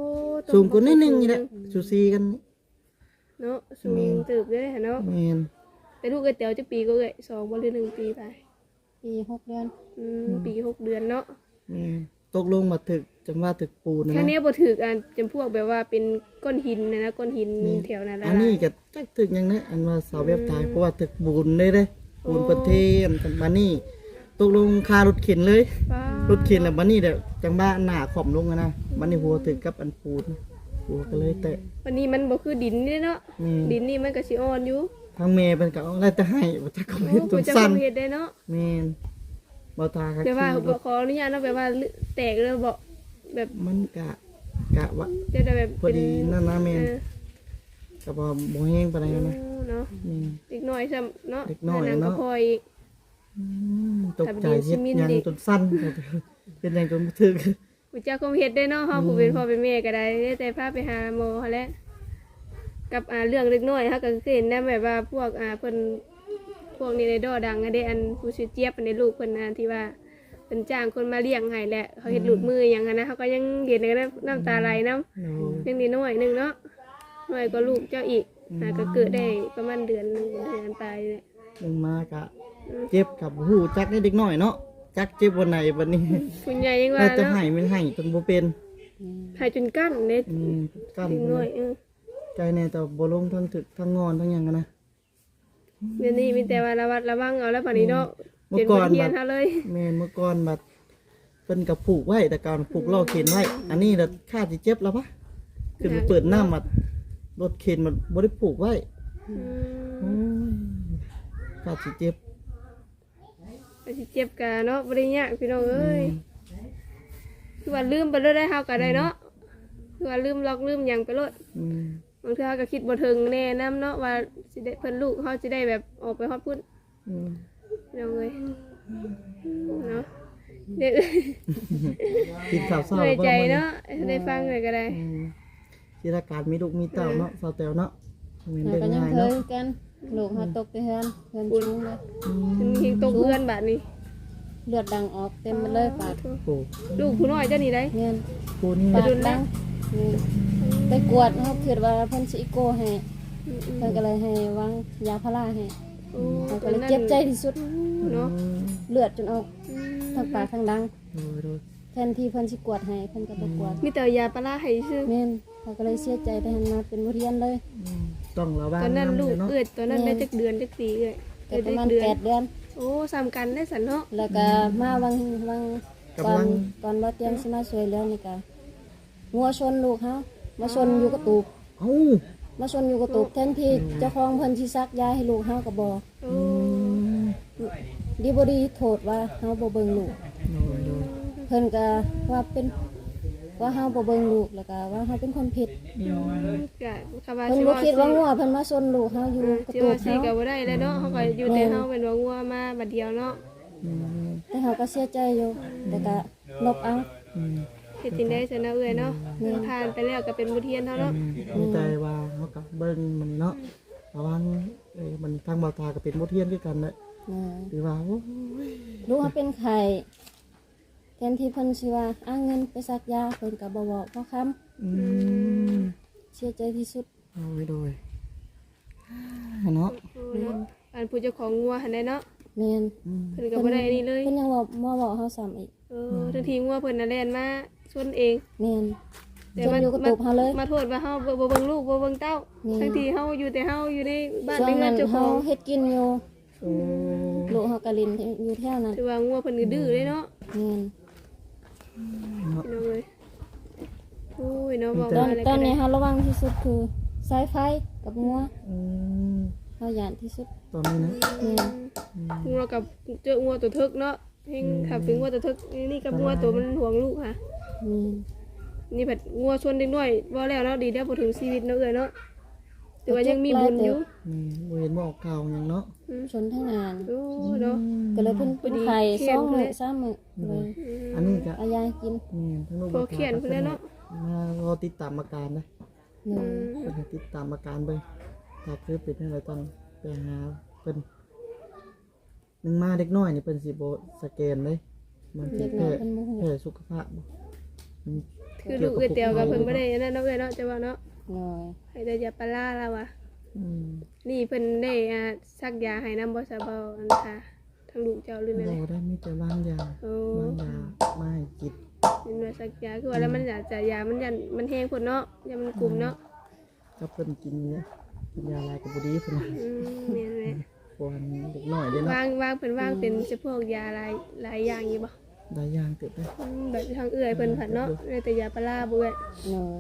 C: สูงกว่านิดนึงนี่แหละสูสีกันนี่
B: เนาะสูงตึบเลยเนาะ
C: แม่น
B: แต่ลูกเอ้ยเต๋อจะปีก็เอ้ยสองบ่หรือหนึ่งปีไป
A: ปีหกเดือน
B: อืมปีหกเดือนเนาะ
C: แม่นตกลงมาถึกจำว่าถึกปูนนะ
B: แค่
C: นะ
B: นี้บ่ถือกันจำพวกแบบว่าเป็นก้อนหินนะนะก้อนหินแถวนั้นละ
C: อันนี้ก็จักถึกหยังนะอันว่าสาวเว็บตายเพราะว่าถึกปูนเลยเด้ปูนประเทศกันบัดนี้ตกลงค่ารถเข็นเลย
B: ป้าร
C: ถเข็นแล้วบัดนี้เด้อจังบ้าหน้าขอมลงอะนะบัดนี้หัวถึกกับอันปูนหัวก็เลยแตะ
B: วันนี้มันบ่คือดินนี่เนาะ
C: แม่น
B: ดินนี่มันก็สิอ่อนอยู่
C: ทางแม่เป็นก็เอาอะไรแต่ให้บ่จักเขา
B: โอ้
C: เฮ็ดจ
B: ผู้
C: น
B: เจ้า
C: สั้น
B: คงเฮ็ดได้เนาะ
C: แม่นบ่ตาครับ
B: แต่ว่าบ่ขออนุญาตเนาะแบบว่าแตกเลยบ่แบบ
C: มันกะกะว่า
B: จะได้แบบ
C: พอดีนั่นนะแม่น
B: เออ
C: ก็บ่บ่แห้งปานใดนะ
B: เนาะ
C: แม่น
B: เด็กน้อยซ้ำเนาะ
C: เด็กน้อย
B: หง
C: เนาะ
B: ก็พออีก
C: อืมตกใจ
B: ทำดี
C: เฮ็ด
B: ซิมิน
C: หยัง
B: ดิ
C: จนสั้น เป็นหยังจนบ่ถึก
B: ผู้เจ้าคงเฮ็ดได้เนาะเฮาผู้เป็นพ่อเป็นแม่ก็ได้แต่พาไปหาหมอหั้นแหละกับอ่าเรื่องเล็กน้อยเฮาก็เคยเห็นนะแบบว่าพวกอ่าเพิ่นพวกนี้ในดอดังอะเด้อันผู้ชื่อเจี๊ยบอันในลูกเพิ่นนะที่ว่าเพิ่นจ้างคนมาเลี้ยงให้แหละเขาเฮ็ดหลุดมือหยังหั้นนะเฮาก็ยังเห็นเลยนะน้ำตาไหลนำ
C: โอ้ย
B: ยังนิดหน่อยหนึงเนาะหน่อยก็ลูกเจ้าอีกอ่าก็เกิดได้ประมาณเดือนหนึงเดือนตายเลย
C: ลงมากะเจ็บกับหูจักให้เด็กน้อยเนาะจักเจ็บวันไหนวันนี้
B: คุณยายยังว่า
C: น่าจะ
B: เนาะ
C: ให้มันให้จนบ่เป็น
B: หายจนกั้นเด้
C: อืมกั้น
B: เด็กน้อยเออ
C: ใจแน่แต่บ่ลงทั้งถึกทั้งงอนทั้งหยังอะนะ
B: เดี๋ยวนี้มีแต่ว่าระวัดระวังเอาแล้วป่านนี้เนาะ
C: เมื่
B: เป็
C: อน ก่อน
B: บทเรียน
C: แบบ
B: เฮาเลย
C: แม่นเมื่อก่อนบัดเพิ่นก็ผูกไว้แต่การผูกล่อเข็นไว้ อันนี้น่ะค่าสิเจ็บแล้วปะขึ้นไปเปิดน้ำมารถเข็นมันบ่ได้ผูกไว้
B: อื
C: โอ้
B: ม
C: ยค่าสิเจ็บ
B: ก็สิเจ็บกะเนาะบ่ได้ยากพี่น้องเอ้ยคือว่าลืมไปเลยได้เฮาก็ได้เนาะคือว่าลืมล็อกลืมหยังไปโลด
C: อืม
B: บางเทื่อก็คิดบ่ถึงแน่นํเนาะว่าสิได้เพิ่นลูกเฮาสิได้แบบออกไปฮอดพุ่น
C: อืม
B: พี่น้องเอ้ยเนาะเด็ก
C: กินข้าวเช้า
B: เหนื่อยใจ
C: บ่มื้อ
B: เนาะได้ฟังเลยก็ได้
C: อืมสิราการมีลูกมีเต้าเนาะสาวแตวเนาะแม่น
A: เรา
C: เด้
A: ก็ยัง
C: ง่าย
A: เค
C: เนาะ
A: ยกันลูกเฮาตกไปเฮือนเฮือนสูงเลย
C: อืม
B: มันยิงตกเพื่อนบาดนี้
A: เลือดดังออกเต็มหมดเลยปาก
C: โอ้
B: ลูกผู้น้อยเจ้านี่ได้
A: เงิน
C: ผู้นี่
A: ปากดังนี่ไปกวดเฮาคิดว่าเพิ่นสิอีโกให้เพิ่นก็เลยให้วางยาพาราให้
B: โอ้
A: เฮา
B: ต
A: ก็
B: อน
A: เลย
B: นั้น
A: เจ็บใจที่สุด
B: เนาะ
A: เลือดจนออก
B: อืม
A: ทั้งปากทั้งดัง
C: โดยโดย
A: แทนที่เพิ่นสิกวดให้เพิ่นก็บ่กวด
B: มีแต่ยาปลาร้าให้ซื้อ
A: แม่นเขาก็เลยเสียใจแต่หันมาเป็นบทเรียนเลย
C: อืมต้องระวัง
B: ตอนนั้นลูก
C: เนาะ
B: เอื้อตอนนั้นได้จักเดือนจักปีเอ้ย
A: ก็
B: เอ้ย
A: ประ
B: ได้
A: มาณ
B: เดือน
A: แปดเดือน
B: โอ้ซ้ำกันได้สันเนาะ
A: แล้วก็มาวังวังก่อนก่อนบ่เตรียมสิมาช่วยเหลือนี่ก็งัวชนลูกเฮามาชนอยู่กระตูบ
C: เอ้า
A: มาชนอยู่กระตูบแทนที่เจ้าของเพิ่นสิซักยาให้ลูกเฮาก็บ่
B: โอ้
A: ดีบ่ดีโทษว่าเฮาบ่เบิ่งลูก
C: โดยโดย
A: เพิ่นก็ว่าเป็นว่าเฮาบ่เบิ่งลูกแล้วก็ว่าเฮาเป็นคนผิด
B: กะคำว่า
A: เพิ่น
B: สิ
A: บ่
B: ว่า
A: คิดว่างัวเพิ่นมาชนลูกเฮาอยู่
B: เออก
A: ระ
B: สิ
A: ตู
B: ว่า
A: บ
B: สิ
A: เฮา
B: ก็บ่ได้แล้วเนาะเฮาก็อยู่แต่เฮาเป็นว่างัวมาบัดเดียวเนาะ
C: อืม
A: แต่เฮาก็เสียใจอยู่แต่ก็ลบเอา
C: อืม
B: เฮ็ดจังได๋ซะนะเอ้ยเนาะผ่านไปแล้วก็เป็นบทเรียนเฮาเนาะ
C: มีใจว่าเขากับเบิ้งมันเนาะระวังเอ้ยมันทางเบาตาก็เป็นบทเรียนด้วยกันเลย
A: นะ
C: หรือว่าโอ้ย
A: ลูกเขาเป็นไข่แทนที่เพิ่นสิว่าอ้างเงินไปซักยาเพิ่นก็บ่บอกบ่คำ
C: อืม
A: เสียใจที่สุด
C: โดยโดยเนาะ
B: โอ้เนาะอันผู้เจ้าของงัวหั่นได้เนาะ
A: แม่น
C: อืม
B: เพิ่นก็บ่ได้อันนี้เลย
A: เพิ่นยังบอกมาบอกเฮาซ้ำอีก
B: เออทังทีงัวเพิ่นน่ะแล่นมาชนเอง
A: แม่น
B: แต่
A: จน
B: ว่า
A: อยู่กระตุกเฮาเลย
B: มาโทษว่าเฮาบ่บ่เบิ่งลูกบ่เบิ่งเต้า
A: นี่
B: ทั้งที่เฮาอยู่แต่เฮาอยู่ในบ้าน
A: ช่ว
B: ใน
A: ง
B: เรือ
A: นั้น น
B: เจ้าข
A: เฮา
B: อง
A: เฮ็ดกินอยู่
C: โอ้
A: ลูกเฮาก็ลินอยู่แถวนั้น
B: ถือว่างัวเพิ่นก็ดื้อเลยเนาะ
A: แม่น
C: เนาะ
B: พี่น้องเอ้ยโอ้ยเนาะบอก
A: ตอ
B: ว่าน อะไร
A: ตอ
B: ก็
A: น
B: ได้
A: นี้เฮาระวังที่สุดคือสายไฟกับงัว
C: อืม
A: เฮาย่านที่สุด
C: ตอนนี้นะ
A: แม่น
B: งัวกับเจองัวตัวทึกเนาะเฮงขับเป็นงัวตัวทึกนี่กับงัวตัวมันห่วงลูกค่ะ
A: แม่น
B: นี่ผัดงัวชนเด็กน้อยบ่แล้วเนาะดีแล้วบ่ถึงชีวิตเนาะเอ้ยเนาะแต่ว่ายังมีบุญอยู่
C: นี่บ่เห็นบ่ออกข่าวหยังเนาะ
A: ชนทั้งงาน
B: โอ้เนาะ
A: ก็เลยเพิ่นเป็นไข่
B: พอดี
A: สองมื้อ
B: เขียน
A: สามมื้อเลย
C: อันนี้ก็
A: เอายากิน
C: นี่ทั้งลูก
B: พอเขียนเพิ่นแล้วเนาะ
C: มารอติดตามอาการนะ
A: หนึ่ง
C: เพิ่นให้ติดตามอาการเบิ่งถ้าคือเป็นอะไรต้องไปหาเพิ่นนึงมาเด็กน้อยนี่เพิ่นสิบ่สแกนเลยมันสิ
A: เด็กน้
C: แค่
A: อยเพิ่นโมโห
C: แค่สุขภาพบ่มัน
B: ถคือลูกเอ้ยเตียวกับเพิ่นบ่ได้อันนั้นเนาะเอ้ยเนาะจะว่าเนาะ
A: โดย
B: ให้แต่ยาปลาร้าแล้วว่ะ
C: อืม
B: นี่เพิ่นได้อ่าซักยาให้นำบ่ซะบ่อันค่ะทั้งลูกเจ้าหรือนั่น
C: เรา
B: แหละ
C: ได้มีแต่บางยา
B: โอ้
C: บางยาไม่กิน
B: เป็นว่าซักยาคือว่าแล้วมันอยากจะยามันยันมันแห้งพุ่นเนาะยามันกลุ่มเนาะ
C: ก็เพิ่นกินเนี่ยกินยาลายกับบุดีเพิ่นน่ะ
B: อืมแม่นแหละ
C: ปวนเด็กน้อยเด้เนาะ
B: วางวางเพิ่นวางเป็นเฉพาะยาหลายหลายอย่างอยู่บ่
C: หลายอย่างเกิดได้
B: อืมแบบทางเอื้อยเพิ่นผัดเนาะได้แต่ยาปลาร้าบ่เอ้ย
A: โดย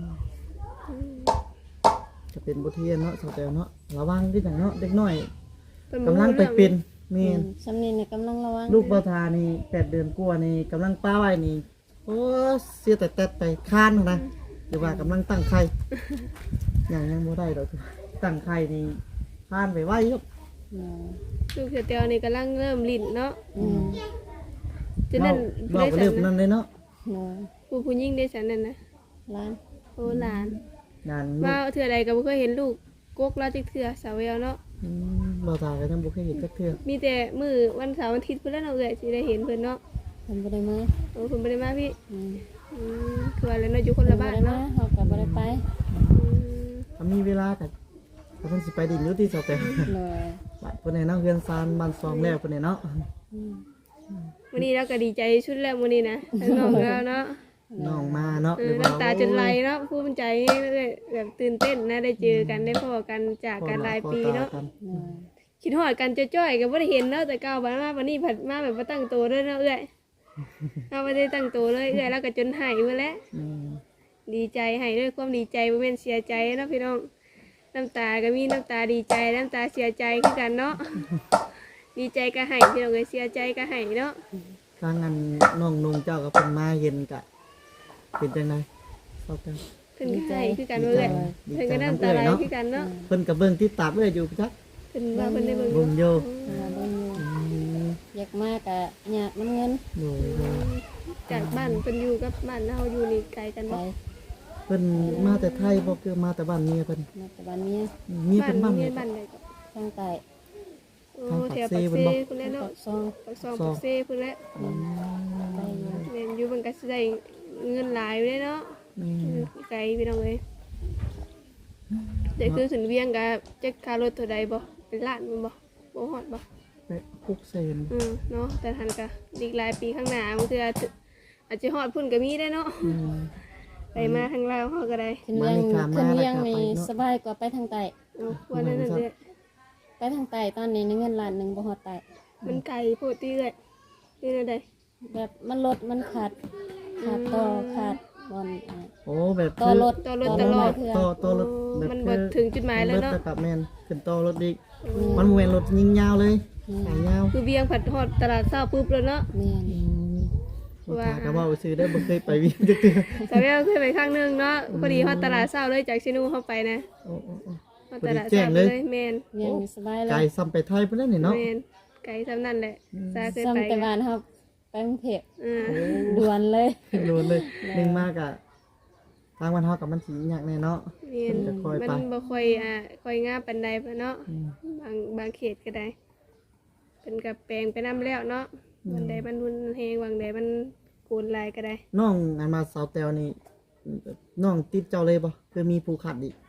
C: จะเป็นบทเรียนเนาะสาวแตวเนาะระวังที่จังเนาะเด็กน้อย
B: เพิ่นบ่
C: กำลัง
B: รู้
C: ไป
B: เรื่อง
C: เป็นแม่น
A: สำเนียงเนี่ยกำลังระวัง
C: ลูกบ่ทานี่แปดเดือนกว่านี่กำลังป้าไว้นี่โอ้เสียแต่แต่ไปค้านนะหรือว่ากำลังตั้งไข่ยังยังบ่ได้ดอกตั้งไข่นี่ค้านไปไว้ครับ
A: โดย
B: ลูกเสือเตียวนี่กำลังเริ่มลิ้นเนาะ
A: อืม
B: ฉะนั้น
C: เรา
B: ได้
C: ก็
B: สั
C: เริ่
B: น
C: ม
B: นะ
C: นั่นเลยเนาะ
A: โดย
B: ผู้ผู้หญิงได้สันนั่นนะ
A: ร้าน
B: โอ้หลาน
C: งาน
B: มาเทื่อใดก็บ่เคยเห็นลูกกกแล้วจักเทื่อสาวแววเนาะ
C: อืมบ่ทาก็ยังบ่เคยเห็นจักเทื่อ
B: มีแต่มื้อวันเสาร์วันอาทิตย์เพิ่นแล้วเนาะเอ้ยสิได้เห็นเพิ่นเนาะ
A: เพิ่นบ่ได้มา
B: โอ้เพิ่นบ่ได้มาพี่
A: อืม
B: อืมคือว่าแล้วเนาะอยู่คน
A: เพิ่
B: ละ
A: นบ่
B: บ้าน
A: ได้มา
B: เนาะ
A: เฮาก็บ่ได้ไป
B: อืม
C: ถ้ามีเวลาก็ก็เพิ่นสิไปดินอยู่ที่สาวแตว
A: โดย
C: บัดเพิ่นให้เนาะเฮือนซานบ้านซองแล้วเพิ่นให้เนาะ
A: อืม
B: วันนี้เราก็ดีใจชุดแล้วมื้อนี้นะทั้งน้องแล้วเนาะ
C: น้องมาเนาะ
B: เอ
C: หรือ อว่า
B: น้ำตาจนไหลเนาะภูมิใจเลยแบบตื่นเต้นนะได้เจอกันได้พบกันจากกันหลายปีเนาะ
A: โดย
B: คิดฮอดกันจ้อยๆก็บ่ได้เห็นเนาะแต่เก่าบัดมาวันนี้ผัดมาแบบบ่ตั้งตัวเลยเนาะเอ้อยเราบ่ได้ตั้งตัวเลยเอ้อยแล้วก็จนหายไปแล้ว
C: อืม
B: ดีใจให้ด้วยความดีใจบ่แม่นเสียใจเนาะพี่น้องน้ำตาก็มีน้ำตาดีใจน้ำตาเสียใจคือกันเนาะดีใจก็ให้พี่น้องเอ้ยเสียใจก็ให้เนาะ
C: ทางอันน้องนงเจ้ากับเพิ่นมาเห็นกะเป็นจังไดเศร้าจัง
B: เพิ่นก็ให้คือกันเอ้อย
C: ดี
B: เพิ่น
C: ใจ
B: ก็น้ำตาไหลคือกันเนาะ
C: เพิ่นกับเบิ่งติดตามเอ้ยอยู่จัก
B: เพิ่นว่าเพิ่นได้เบิ่ง
C: เบิ่งอยู่
A: เพิ่นว่าเบิ่งอยู่
C: อืม
A: อยากมาก็อยากน้ำเงิน
C: โดยโดย
B: จากบ้านเพิ่นอยู่กับบ้านเฮาอยู่นี่ไกลกัน
A: ไป
B: บ่
C: เพิ่นมาแต่ไทยบ่คือมาแต่บ้านเมียเพิ่น
A: มาแต่บ้านเมีย
C: มี
B: บ้า
C: เพิ่
B: น
C: นบ้าน
B: เมี
C: เมี
B: ย
C: ย
B: บ้านใดก็
A: ทางใต้
B: โอ้แถวปากเซ่พุ่นแหละเนาะ
A: ปากซอง
B: ปากซองปากเซ่พุ่นแหละ
A: ไปอยู่
B: แม่นอยู่มันก็สิได้เงินหลายอยู่เด้เนาะ
C: อืม
B: ไกลพี่น้องเอ้ยเดี๋ยวคือขึ้นเวียงก็จักค่ารถเท่าใดบ่เป็นล้านแม่นบ่บ่ฮอดบ่
C: ไปคุกเซน
B: อืมเนาะแต่ทันก็อีกหลายปีข้างหน้ามันคืออาจจะอาจจะฮอดพุ่นก็มีได้เนาะ
C: อืม
B: ไปมาทางลาวเฮาก็ได้
A: ขึ้นเวียง
C: มานี่ค่ะ
A: ขึ้นเวียง
C: มาแล้วค่ะ
A: นี่
C: ไปเนาะ
A: สบายกว่าไปทางใต้
B: เนาะว่านั่นนั่นเด้อ
A: ไปทางใต้ตอนนี้ในเงินล้านหนึงบ่ฮอดใต้
B: มันไกลโพดติเอ้ยนี่นั่นใด
A: แบบมันลดมันขาดขาดต่อขาดบอลอ่า
C: โอ้แบบ
A: ต่อรถ
B: ต่อรถ
A: ต่
B: ต
A: อ
B: ลอด
A: เพื่อ
C: ต่อต่อรถแบบ
B: มันบ่ถึงจุดหมายแล้วเนาะ
C: รถกับแม่นขึ้นต่อรถอีกมันบ่แม่นรถยิงยาวเลยสายยาว
B: คือเวียงผัดฮอดตลาดเช้าปุ๊บแล้วเนาะ
A: แม่น
C: อืมบ่ทาก็ว่าไปซื้อได้บ่เคยไปวิ่งจักเทื่อ
B: สาวแววเคยไปครั้งหนึงเนาะพอดีฮอดตลาดเช้าเลยจากชินูเข้าไปนะ
C: โอ้โอ้โอ้
B: ฮอดตลาดเช้าไปเลยแม่น
A: เวียงนี่สบายเล
C: ไกล
A: ย
C: ซ้ำไปไทยพุ่นแล้วนี่เนาะ
B: แม่นไกลซำนั่นแหละซาเคยไป
A: ซ้ำแต่บ้านครับไปกรุงเทพ
B: อ่า
A: ด่วนเลย
C: โดนเลยหนึ่งมากอะทางวันเฮากับมันสีอยากแน่เนาะ
B: แม่น
C: จะคอยไป
B: มันบ่ค่อยอ่าค่อยงามปานใดปะเนาะ
C: อืม
B: บางบางเขตก็ได้เป็นกับแปลงไปนํแล้วเนาะวันใดมันรุนแฮงวันใดมันโกนลายก็ได้
C: น้องอันมาสาวแตวนี่น้องติดเจ้าเลยบ่คือมีผู้ขัดอีก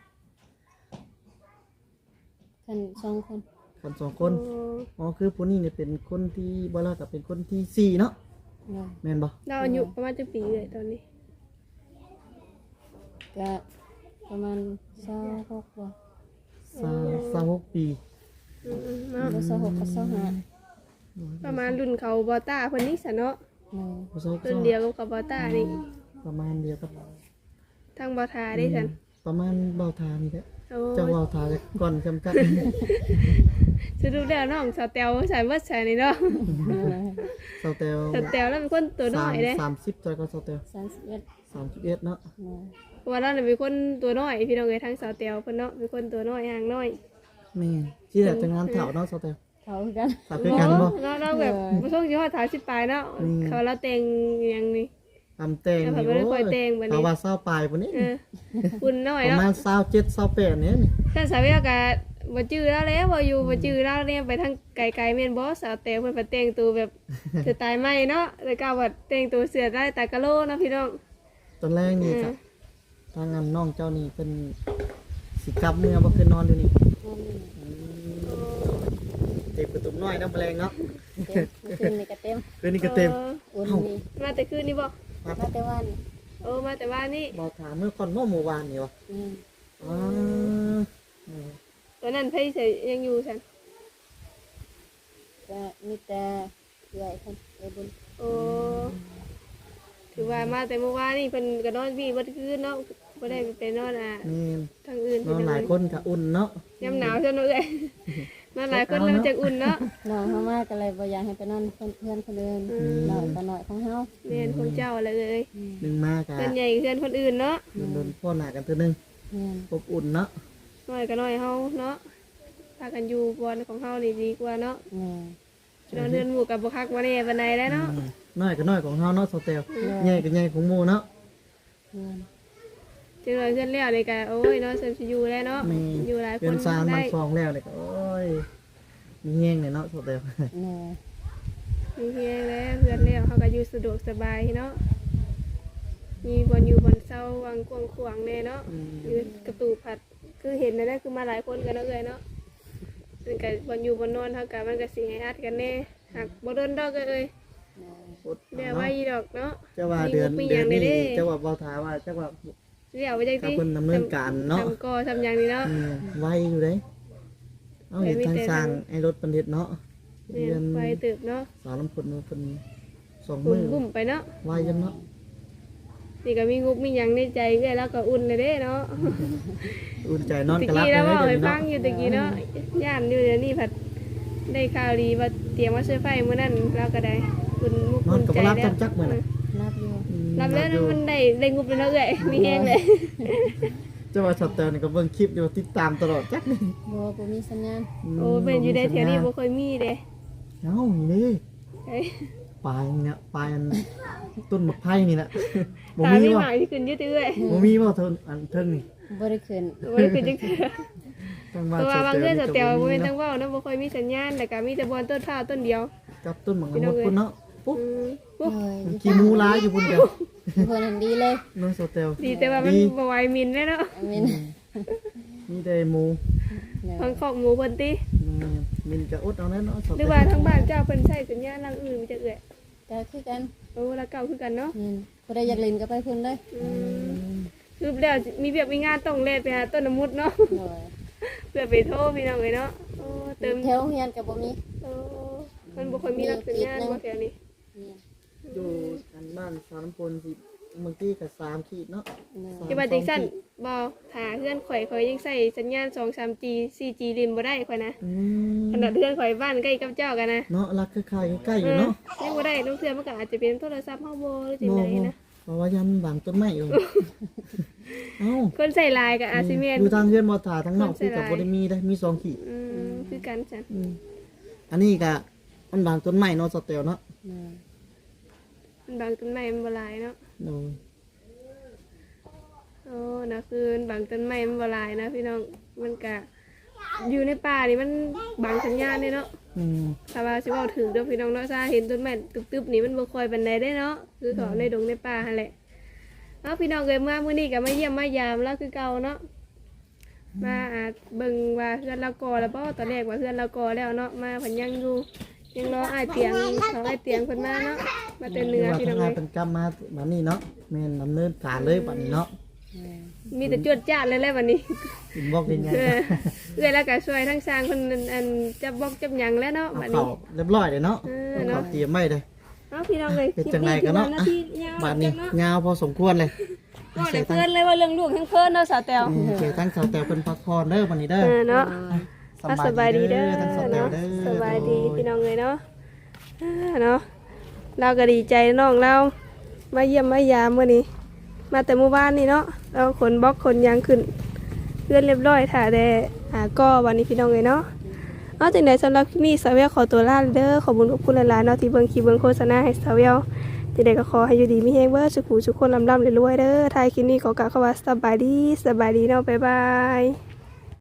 A: กันสองคน
C: กันสองคน
B: โอ้
C: อ๋อคือผู้นี้เนี่ยเป็นคนที่บ่ล่ะกับเป็นคนที่สี่เนาะ
A: เลย
C: แม่นบ่
B: เราอายุประมาณจักปีเลยตอนนี้
A: ก็ประมาณสองหกบ่
C: สามสามหกปี
B: อืมๆเนาะ
A: บ่สองหกก็สองห้า
B: ประมาณรุ่นเขาบอต้าเพิ่นนี่ซะเนาะ
A: เลย
C: ผู้สาว
B: รุ่นเดียวกับเขาบอต้านี่
C: ประมาณเดียวกับ
B: ทางบอทาได้ซั่น
C: ประมาณเบาทานี่แหละ
B: โอ้
C: เจ้าเบาทาจะก่อนจำกัด
B: สรุปแล้วน้องสาวแตวใส่เบิดใส่นี่เนาะ
C: สาวแตว
B: สาวแตวแล้วเป็นคนตัวน้อยเด้
C: สามสิบเท่าก็สาวแตว
A: สามสิบเอ็ด
C: สามสิบเอ็ดเนาะ
A: เลย
B: เพราะว่าเราเนี่ยเป็นคนตัวน้อยพี่น้องเอ้ยทั้งสาวแตวเพิ่นเนาะเป็นคนตัวน้อยห่างน้อย
C: แม่นที่แบบจะงานเถาเนาะสาวแตว
A: เขาคือกัน
C: ถาคือกันบ่
B: เนาะเราแบบบ่ส่งสิฮอดสามสิบปลายเนาะ
C: อืม
B: เขาเราแต่งอยังนี่
C: ทำแต่ง
B: แล้ว
C: นี่
B: เขาไม่ได้ค
C: โอ้
B: อย
C: ย
B: แต่งบัดนี้
C: เอาว่าเศร้าปลายปุ่นนี้
B: เออคุณน้อย
C: ประ
B: เนาะ
C: มาณเศร้าเจ็ดเศร้าแปดเนี่ยนี่
B: ท่านสาวเวียก็บ่จื้อแล้วแหล้วบ่อยู่บ่จื้อแล้วเนี่ยไปทางไกลๆแม่นบ่สาวแตวเพิ่นไปแต่งตัวแบบ สไตล์ใหม่เนาะแล้วก็ว่าแต่งตัวเสื้อได้ตากะโลเนาะพี่น้อง
C: ตอนแรกนี่ก็ทางงานน้องเจ้านี่เป็นสิกลับเมื่อบ่คืนนอนอยู่นี่
A: นอนนี่
C: อืมเต็มประตูน้อยน้ำแปลงเนาะ
A: เต็มเมื่อคืนนี่ก็เต็ม
C: คืนนี้ก็เต็ม
A: อุ่นนี่
B: มาแต่คืนนี่บ่
A: มาแต่วัน
B: โอ้มาแต่ว่านี่
C: บ่ถามเมื่อก่อนเมื่อเมื่อวานนี่วะ
A: อืม
C: อ๋ออืม
B: ตอนนั้นเพิ่นสิยังอยู่ซั่น
A: ก็มีแต่เอื้อยเพิ่นเอื้อยบุญ
B: โอ้ถือว่ามาแต่เมื่อวานนี่เพิ่นก็นอนพี่บ่คืนเนาะบ่ได้ไปนอนอ่ะ
C: นี่
B: ทางอื่น
C: นอนหลายคนก็อุ่นเนาะ
B: ยามหนาวซั่นเนาะเอ้ยนอนหลายคนแล้วมันจะอุ่นเนาะ
A: น้องเฮามาก็เลยบ่อยากให้ไปนอนเพิ่นเพื่อนคนอื่นน้อยก็น้อยของเฮา
B: แม่นของเจ้าอะไรเอ้ย
C: หนึ่งมากะ
B: เพื่อนใหญ่เพื่อนคนอื่นเนาะ
C: โดนพ่อหนากันตัวหนึง
A: แม่น
C: อบอุ่นเนาะ
B: น้อยก็น้อยเฮาเนาะพากันอยู่บอนของเฮานี่ดีกว่าเนาะ
A: แม่
B: นอนเรือนหมู่กับบ่คักบ่แน่ปานใดแล้วเนาะ
C: อืมน้อยก็น้อยของเฮาเนาะสเตลใหญ่ก็ใหญ่ของหมู่เนาะ
A: แม่น
B: จังเลยเพื่อนแล้วนี่ก็โอ้ยเนาะเสริมสิอยู่แล้วเนาะ
C: มี
B: อยู่หลายค
C: เรือน นซาน
B: ได้
C: มันซองแล้วเลยก็โอ้ยมีแห้งเลยเนาะสเตล
A: แม่
B: มีเพียงแล้วเพื่อนแล้วเฮาก็อยู่สะดวกสบายเนาะมีบ่อนอยู่บ่อนเซาวังกวางขวางแน่เนาะอยู่กระตูผัดคือเห็นนั่นแหละคือมาหลายคนกันเนาะเอ้ยเนาะซึ่งก็บ่อนอยู่บ่อนนอนเฮาก็มันก็สิให้อัดกันแน่หากบ่โดนดอกเอ้ย
A: แม่
B: เดี๋ยวไว้อีดอกเนาะ
C: เจ้าว่าเดือน
B: มี
C: เดือน
B: งบมี
C: นี้
B: หยัง
C: เจ้าว่าเบาถาว่าเจ้าว่า
B: เดี๋ยวไว้จัง
C: ถ้า
B: ซี่
C: เพิ่นดำเนินการเนาะ
B: ทำก่อทำอย่างนี้เนาะ
C: อืมไวอยู่เด้เอาเห็นทางสร้างไอ้รถปันเด็ดเนาะ
B: เนี่
C: เดื
B: ย
C: อน
B: ไฟตึบเนาะ
C: สาวลำพนเพิ่นสอง
B: บุ่
C: มื้
B: ม
C: อ
B: บุ่มไปเนาะ
C: ไวจังเนาะ
B: นี่ก็มีงุบมีหยังในใจเอ้ยแล้วก็อุ่นเลยเด้เนาะ
C: อุ่นใจนอน
B: ตะ
C: กระลับ
B: กี้
C: เล
B: แล้ว
C: ย
B: ว่า
C: เดี๋ยว
B: ไป
C: นี้
B: ฟั
C: เนาะ
B: งอยู่ตะกี้เนาะย่านอยู่เดี๋ยวนี้ผัดได้ข่าวดีว่าเตรียมว่าช่วยไฟมื้อนั้นเราก็ได้อุ่นมุก
C: นอ
B: อุ่
C: น
B: น
C: กับ
B: ใจ
C: บ่รับ
B: แล้
C: จั
B: ว
C: งจักมื้อน่ะ
A: รับอยู่
C: อืม
B: รับแล้ว
C: อ
B: นะ
C: ยู่
B: มันได้ได้งุบเลยเนาะเอ้ยมีแห้งเลย
C: เจ้าว่าสเตลนี่ก็เบิ่งคลิปอยู่ติดตามตลอดจักนี่
A: บ่บ่มีสัญญาณ
B: โอ้เป็นอยู่ในแถวนี้บ่เคยมีเด้
C: เอ้านี่
B: เอ้ย
C: ปลายเนี่ยปลายอันต้นมะไผ่นี่แหละบ่
B: ตา
C: มี
B: มี
C: บ่
B: หมากที่ขึ้นอยืดเอ้ย
C: บ่มีบ่เทิงอันเทิงนี่
A: บ่ได้ขึ้น
B: บ่ได้ขึ้นจังเทื่อ
C: ตั้ง
B: เพราะว่าบางเทื่อสเตียวบ่
C: มี
B: แม่นตั้
C: เนาะ
B: งเว้าเนาะบ่ค่อยมีสัญญาณแต่ก็มีแต่บอนต้นข้าวต้นเดียว
C: กับต้นหมากละมุดพุ่นเนาะปุ๊บ
B: อืมปุ๊บ
A: เลย
C: ขี้หมูร้ายอยู่พุ่นเดียว
A: เพิ่นนั่นดีเลย
C: น้องสเตล
B: ดีแต่ว่ามัน
C: ดี
B: บ่ไหวมินแล้วเนาะ
A: อามิน
C: มีแต่หมู
A: แม่
B: ทางคอกหมูเพิ่นติ
C: อืมมินก็อดเอาแน่เนาะส
B: ห
C: เต
B: รือ
C: ล
B: ว่าทางบ้านเจ้าเพิ่นใช้สัญญาณทางอื่นมีจักเอ้ย
A: ก็คือกัน
B: โอ้ละเก่าคือกันเนาะ
A: แม่นผู้ใดอยากเล่นก็ไปเพิ่นเลย
B: อืมคือแล้วมีเวียกมีงานต้องแล่นไปหาต้นน้ำมุดเนาะ
A: โดย
B: เพื่อไปโทรพี่น้องเอ้ยเนาะโอ้เติม
A: แถวเฮียนก็บ่มี
B: โอ้มันบ่ค่อยมีรับสัญญาณบ่แถวนี้
A: เนี่ย
C: อยู่กันบ้านสารพลสิบางทีก็สามขีดเนาะ
A: เนาะ
B: ที่ว่าจังซั่นบ่ถ้าเพื่อนข่อยข่อยยังใช้สัญญาณ สองสาม จี โฟร์ จี ลินบ่ได้ข่อยนะ
C: อืม
B: ขนาดเพื่อนข่อยบ้านใกล้กับเจ้ากันนะ
C: เนาะรักคล้ายๆใกล้ๆอยู่เนาะ
B: ยังบ่ได้ลูกเทื่อมันก็อาจจะเป็นโทรศัพท์เฮาบ่หรือจังไดนะ
C: เพราะว่ายันบางต้นไม้อยู่ เอ้า
B: คนใส่ลายก็อาจสิแม่น
C: อยู่ทางเพื่อนมอถาทั้งนอก
B: คนใส่
C: คือกับ
B: ลาย
C: บริมีได้มีสองขีด
B: อืมคือกันจ้ะ
C: อืมอันนี้ก็มันบางต้นไม้เนาะสเตลเนาะ
A: แม่
B: มันบางต้นไม้มันบ่หลายเนาะ
C: โอ้ย
B: โอ้นะคือบางต้นไม้มันบ่หลายนะพี่น้องมันก็อยู่ในป่านี่มันบางสัญญาณเนาะ
C: อืม
B: ถ้าว่าสิเว้าถึงเด้อพี่น้องเนาะถ้าเห็นต้นไม้ตึบๆนี่มันบ่ค่อยปานใดได้เนาะคือเขาในดงในป่าหั่นแหละเอ้าพี่น้องเอ้ยมามื้อนี้ก็มาเยี่ยมมายามแล้วคือเก่าเนาะมาอาจเบิ่งว่าเพื่อนเราก่อแล้วบ่ตอนแรกว่าเพื่อนเราก่อแล้วเนาะมาเพิ่นยังอยู่ยังรออ้ายเตียงเขาอ้ายเตียงเพิ่นมาเนาะมาแต่เหนือ
C: ว่า
B: พี่น้
C: ทา
B: อง
C: งา
B: เอ้
C: น
B: ย
C: เป็นกรรมมาบัดนี้เนาะแม่นดำเนินการเลยบัดนี้เนาะ
A: แม่
B: มีแต่จวดจ้าดเลยแหละวันนี้
C: อินบอกยังไง
B: เออเอื้อยแล้วก็ช่วยทั้งสร้างเพิ่นอันจับบอกจับหยังแล้วเนาะ
C: เอา
B: บัด
C: เข้า
B: นี้
C: เรียบร้อยเลยเนาะ
B: เออ
C: เอา
B: เนาะ
C: เข้าเตรียมไว้เลย
B: เอ้าพี่น้องเอ้ย
C: เป็นจังไดกันเนาะ
B: คลิป
C: อ่ะ
B: ที่ยาว
C: บัดนี้
B: จังเนาะ
C: ยาวพอสมควรเลย
B: ก็ได้เพิ่นเลยว่าเรื่องลูกทั้งเพิ่นเนาะสาวแตว
C: อืมเจอทั้งสาวแตวเป็นพักผ่อนเด้อบัดนี้เด้อ
B: เออเนาะ
C: อ่ะ
B: สบายดีเด้อ
C: ทั้งสาวแตว
B: เนาะ
C: เด้อ
B: สบายดีพี่น้องเลยเนาะอ่าเนาะเราก็ดีใจน้องเรามาเยี่ยมมายามมื้อนี้ มาแต่เมื่อวานนี่เนาะเราขนบล็อกขนยางขึ้นเพื่อนเรียบร้อยถ่าแต่หาก็วันนี้พี่น้องเลยเนาะนอกจากนั้นสำหรับคลิปนี้สาวเวลขอตัวลาเด้อขอบคุณขอบคุณหลายๆเนาะที่เบิ่งคลิปเบิ่งโฆษณาให้สาวเวลจะได้ก็ขอให้อยู่ดีมีแฮงเบิดสุขุสุขคนลำๆรวยๆเด้อท้ายคลิปนี้ขอกล่าวคำว่าสบายดีสบายดีเนาะบ๊ายบาย